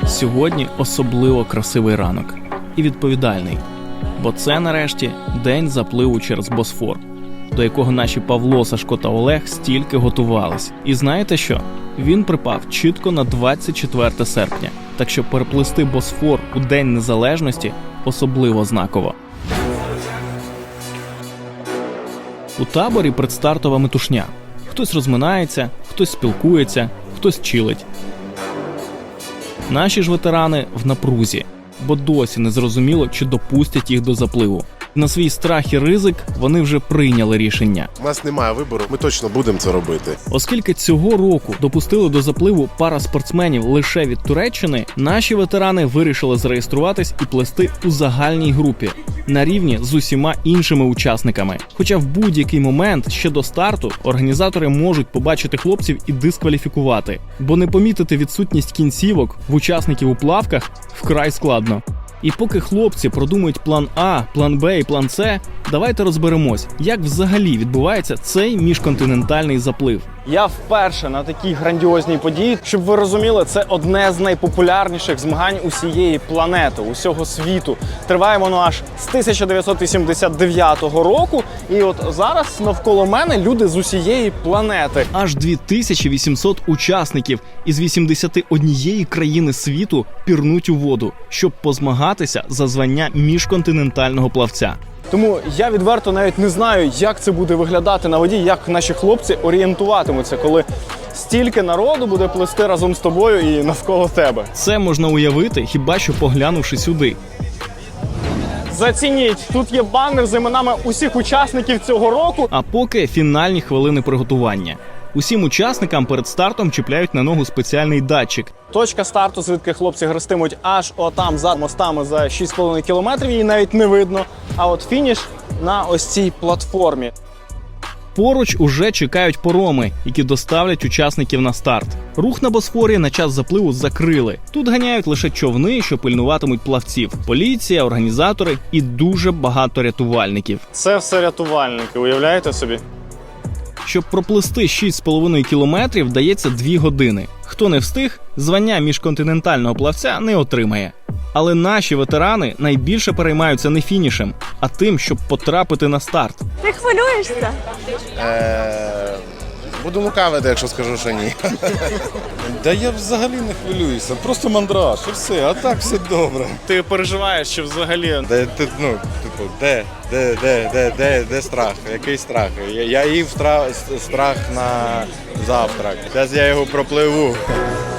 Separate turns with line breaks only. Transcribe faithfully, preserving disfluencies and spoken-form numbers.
Сьогодні особливо красивий ранок і відповідальний, бо це нарешті день запливу через Босфор, до якого наші Павло, Сашко та Олег стільки готувались. І знаєте що? Він припав чітко на двадцять четверте серпня, так що переплисти Босфор у День Незалежності особливо знаково. У таборі предстартова метушня. Хтось розминається, хтось спілкується, хтось чилить. Наші ж ветерани в напрузі, бо досі не зрозуміло, чи допустять їх до запливу. На свій страх і ризик вони вже прийняли рішення.
У нас немає вибору, ми точно будемо це робити.
Оскільки цього року допустили до запливу пара спортсменів лише від Туреччини, наші ветерани вирішили зареєструватись і плисти у загальній групі, на рівні з усіма іншими учасниками. Хоча в будь-який момент ще до старту організатори можуть побачити хлопців і дискваліфікувати, бо не помітити відсутність кінцівок в учасників у плавках вкрай складно. І поки хлопці продумують план А, план Б і план С, давайте розберемось, як взагалі відбувається цей міжконтинентальний заплив.
Я вперше на такій грандіозній події. Щоб ви розуміли, це одне з найпопулярніших змагань усієї планети, усього світу. Триває воно аж з тисяча дев'ятсот вісімдесят дев'ятого року. І от зараз навколо мене люди з усієї планети.
Аж дві тисячі вісімсот учасників із вісімдесят однієї країни світу пірнуть у воду, щоб позмагатися за звання міжконтинентального плавця.
Тому я відверто навіть не знаю, як це буде виглядати на воді, як наші хлопці орієнтуватимуться, коли стільки народу буде плисти разом з тобою і навколо тебе.
Це можна уявити, хіба що поглянувши сюди.
Зацініть, тут є банер з іменами усіх учасників цього року.
А поки фінальні хвилини приготування. Усім учасникам перед стартом чіпляють на ногу спеціальний датчик.
Точка старту, звідки хлопці гристимуть аж отам за мостами за шість з половиною кілометрів, її навіть не видно. А от фініш на ось цій платформі.
Поруч уже чекають пороми, які доставлять учасників на старт. Рух на Босфорі на час запливу закрили. Тут ганяють лише човни, що пильнуватимуть плавців. Поліція, організатори і дуже багато рятувальників.
Це все рятувальники, уявляєте собі?
Щоб проплисти шість з половиною кілометрів, дається дві години. Хто не встиг, звання міжконтинентального плавця не отримає. Але наші ветерани найбільше переймаються не фінішем, а тим, щоб потрапити на старт.
Ти хвилюєшся?
Е, Буду лукавити, якщо скажу, що ні.
Да я взагалі не хвилююся, просто мандраж і все, а так все добре.
Ти переживаєш, що взагалі...
Де, ти, ну, типу, де, де, де, де, де, де страх, який страх? Я, я їв страх, страх на завтрак, зараз я його пропливу.